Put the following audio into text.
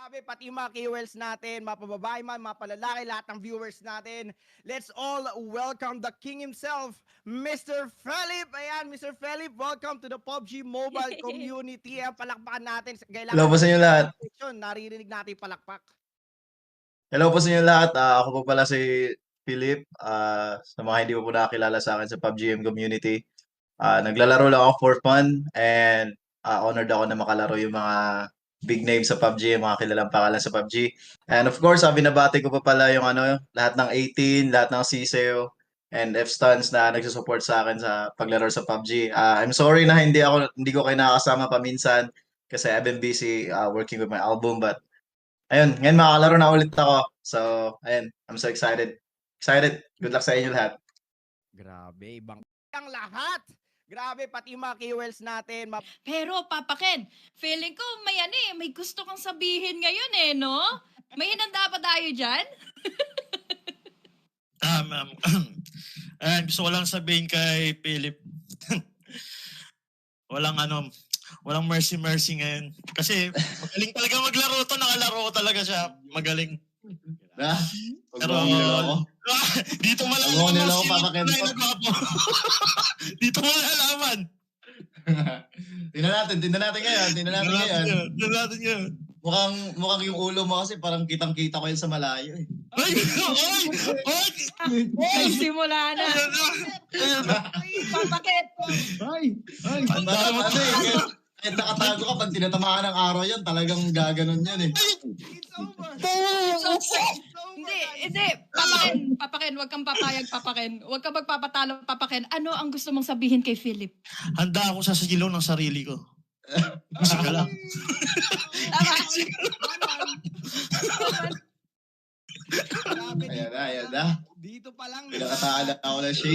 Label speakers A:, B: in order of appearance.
A: Grabe, pati yung mga keywords natin, mga pababae man, mga palalaki, lahat ng viewers natin. Let's all welcome the king himself, Mr. Philip. Ayan, Mr. Philip, welcome to the PUBG Mobile Community. Ayan, palakpakan natin.
B: Hello po sa inyo lahat.
A: Naririnig natin palakpak.
B: Hello po sa inyo lahat. Ako po pala si Philip. Sa mga hindi po nakakilala sa akin sa PUBGM community. Naglalaro lang ako for fun and honored ako na makalaro yung mga big names sa PUBG, yung mga kilalang pangalan sa PUBG. And of course, binabati ko pa pala yung lahat ng 18, lahat ng CSEO and F-Stuns na nagsusupport sa akin sa paglaro sa PUBG. I'm sorry na hindi ko kayo nakakasama paminsan kasi I've been busy working with my album, but ayun, ngayon makakalaro na ulit ako. So, ayun, I'm so excited. Excited. Good luck sa inyo lahat.
A: Grabe, ibang ang lahat. Grabe, pati yung mga keywords natin.
C: Pero Papa Ken, feeling ko may gusto kang sabihin ngayon no? May hinanda pa tayo dyan?
D: Gusto ko lang sabihin kay Philip, walang mercy ngayon. Kasi magaling talaga maglaro to, nakalaro talaga siya. Magaling. Pero dito malalaman dito malalaman.
B: Tingnan natin ngayon.
D: Ngayon.
B: Mukhang yung ulo mo kasi parang kitang-kita ko yun sa malayo eh.
C: Simula na. Papa Ken.
B: Kahit nakatago ka, pag tinatamaan ng araw yan, talagang gaganon yan eh.
A: It's over.
C: Hindi. Papa Ken, huwag kang papayag, Papa Ken. Huwag kang magpapatalo, Papa Ken. Ano ang gusto mong sabihin kay Philip?
D: Handa ako sa sigilo ng sarili ko. Sige lang.
A: Grabe,
B: Ayan na.
A: dito pa lang.
B: Pinakataan ako ng shade.